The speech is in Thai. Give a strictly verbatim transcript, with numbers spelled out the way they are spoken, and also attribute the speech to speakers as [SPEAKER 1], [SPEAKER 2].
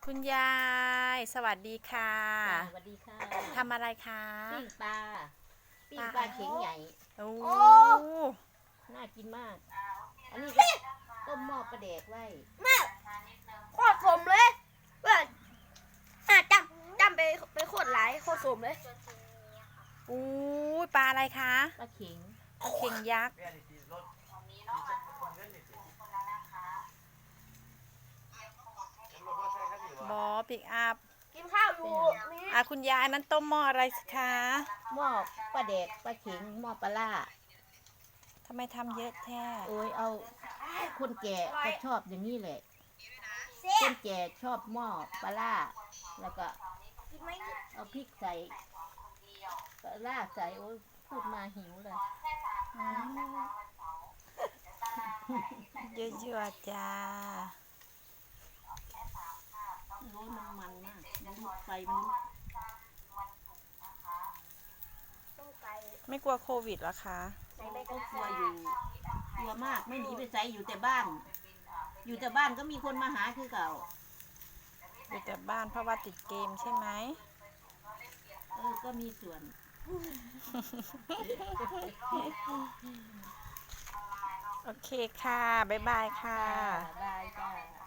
[SPEAKER 1] คุณยายสวัสดีค่ะ
[SPEAKER 2] จ้าสวัสดีค่ะ
[SPEAKER 1] ทำอะไรคะ
[SPEAKER 2] ปิ้งปลาปิ้ง
[SPEAKER 1] ปลา
[SPEAKER 2] ปลาเข็งใหญ่
[SPEAKER 1] โอ้
[SPEAKER 2] น่ากินมากอันนี้ก็ต้มหม้อปลาแดกไว้
[SPEAKER 3] แม่โคตรสมเลยแบบอ่ะจำจำไปไปโคตรหลายโคตรสมเลย
[SPEAKER 1] อู้ยปลาอะไรคะ
[SPEAKER 2] ปลาเข็ง
[SPEAKER 1] ปลาเข็งยักษ์บอปิกอัพ
[SPEAKER 3] กินข้าวอยู่นี่
[SPEAKER 1] อ่ะคุณยายนั้นต้มหม้ออะไรสิคะ
[SPEAKER 2] หม้อปลาแดกปลาเข็งหม้อปลาล่า
[SPEAKER 1] ทำไมทำเยอะแท้
[SPEAKER 2] โอ้ยเอาคนแก่ก็ชอบอย่างนี้แหละคนแก่ชอบหม้อปลาล่าแล้วก็
[SPEAKER 3] กินไหม
[SPEAKER 2] เอาพริกใส่ปลาล่าใส่โอ้ยพูดมาหิวเลย
[SPEAKER 1] เยอะๆจ้า
[SPEAKER 2] โอ้ยมันมันมากมันไฟมัน
[SPEAKER 3] ต้องไป
[SPEAKER 1] ไม่กลัวโควิดเหรอคะ
[SPEAKER 3] ใส่ใบ
[SPEAKER 2] ก็
[SPEAKER 3] กะ
[SPEAKER 2] กลัว
[SPEAKER 3] เพรา
[SPEAKER 2] อยู่กลัวมากไม่หนีไปไสอยู่แต่บ้าน อยู่แต่บ้านก็มีคนมาหาคือเก่า
[SPEAKER 1] อยู่แต่บ้านเพราะว่าติดเกมใช่ไหม
[SPEAKER 2] เออก็มีส่วน
[SPEAKER 1] โอเคค่ะ บ๊ายบายค่ะ
[SPEAKER 2] บายจ้า